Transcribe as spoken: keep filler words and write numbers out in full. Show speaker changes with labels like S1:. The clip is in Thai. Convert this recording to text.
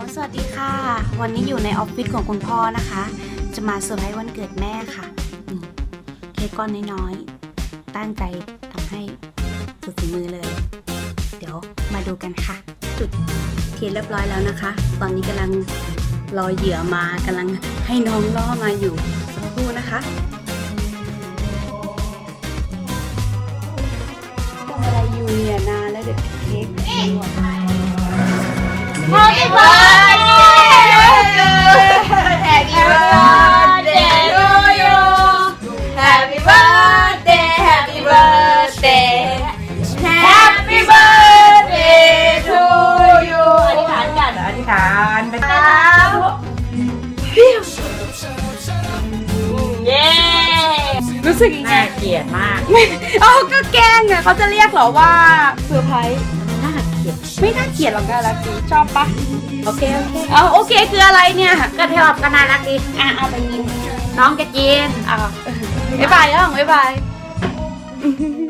S1: สวัสดีค่ะวันนี้อยู่ในออฟฟิศของคุณพ่อนะคะจะมาเซอร์ไพรส์วันเกิดแม่ค่ะนี่เค้กก้อนน้อยๆตั้งใจทำให้สุดฝีมือเลยเดี๋ยวมาดูกันค่ะจุดเทียนเรียบร้อยแล้วนะคะตอนนี้กำลังรอเหยื่อมากำลังให้น้องล่อมาอยู่สักครู่นะคะทำอะไรอยู่เนี่ยนานแล้วเด็กเค้ก
S2: Happy birthday to you Happy birthday Happy birthday Happy birthday to you อธิษฐานกันอธิษฐานไปครับเย้
S1: รู้สึกยังไง
S2: น่าเกลียดมาก
S1: เอ้าก็แกล้งไงเขาจะเรียกเหรอว่าเซอร์ไพรส์
S2: น่าเกลียด
S1: ไม่น่าเกลียดหรอกนะลักกี้ชอบปะโอเคโอเคเอาโอเคคืออะไรเนี่ย
S2: ก็เที่ยวก็น่ารักดี
S1: อ่ะเอาไปยิน
S2: น้องจะกิน
S1: อ่ะบ๊ายบายย่องบ๊ายบาย